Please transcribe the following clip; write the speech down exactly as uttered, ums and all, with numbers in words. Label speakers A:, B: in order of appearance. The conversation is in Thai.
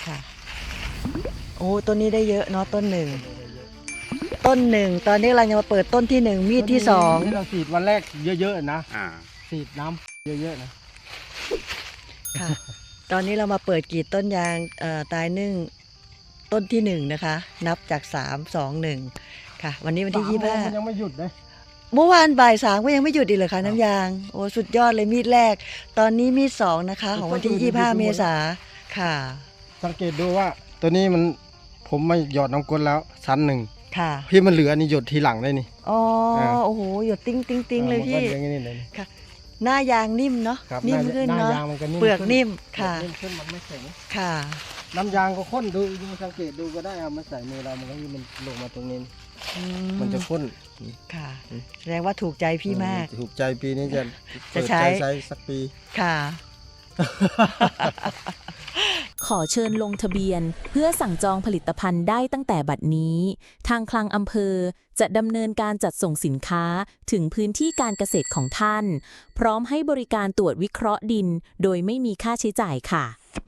A: ค่ะโอ้ต้นนี้ได้เยอะเนาะต้นหนึ่งต้นหนึ่งตอนนี้เราจะมาเปิดต้นที่หนึ่งมีดที่สอง
B: ที่เราฉีดวันแรกเยอะๆนะ
C: อ่า
B: ฉีดน้ำเยอะๆนะ
A: ค่ะตอนนี้เรามาเปิดกรีดต้นยางเอ่อตายนึ่งต้นที่หนึ่งนะคะนับจากสามสองหนึ่งค่ะวันนี้วันที่
B: สาม
A: ยี่สิบ
B: โมง
A: ห้า
B: มันยังไม่หยุดเลย
A: เมื่อวานบ่ายสามก็ยังไม่หยุดอีกเลยค่ะน้ำยางโอ้สุดยอดเลยมีดแรก ตอนนี้มีดสองนะคะของวันที่ยี่สิบห้าเมษาค่ะ
B: สังเกตดูว่าตัวนี้มันผมมาหยอดน้ำกรดแล้วชั้นหนึ่ง
A: ค่ะ
B: พี่มันเหลือนี่หยดทีหลังได้นี่
A: อ๋อ
B: อ่า
A: โอ้โหหยดติ้งติ้งติ้งเลย
B: อ่า
A: พี่
B: มันก็อย่างนี้เลยนี่
A: หน้ายางนิ่มเนาะ
B: ครับ
A: นิ่ม
B: หา
A: ขึ้น
B: หน้า
A: เนาะ
B: ยางมันก็นิ่ม
A: เปลือก
B: ขึ้
A: นิ่มค่ะ
B: นิ่มขึ้นมันไม่แข็ง
A: ค่ะ
B: น้ำยางก็ข้นดูดูสังเกตดูก็ได้เอามาใส่มือเรามันก็มันลงมาตรงนี้
A: อื
B: มันจะข้น
A: ค่ะ
B: อืม
A: แสดงว่าถูกใจพี่มาก
B: เออถูกใจปีนี้จะ
A: จะใช้
B: เปิดใจใช้สักปี
A: ค่ะ
D: ขอเชิญลงทะเบียนเพื่อสั่งจองผลิตภัณฑ์ได้ตั้งแต่บัดนี้ ทางคลังอำเภอจะดำเนินการจัดส่งสินค้าถึงพื้นที่การเกษตรของท่าน พร้อมให้บริการตรวจวิเคราะห์ดินโดยไม่มีค่าใช้จ่ายค่ะ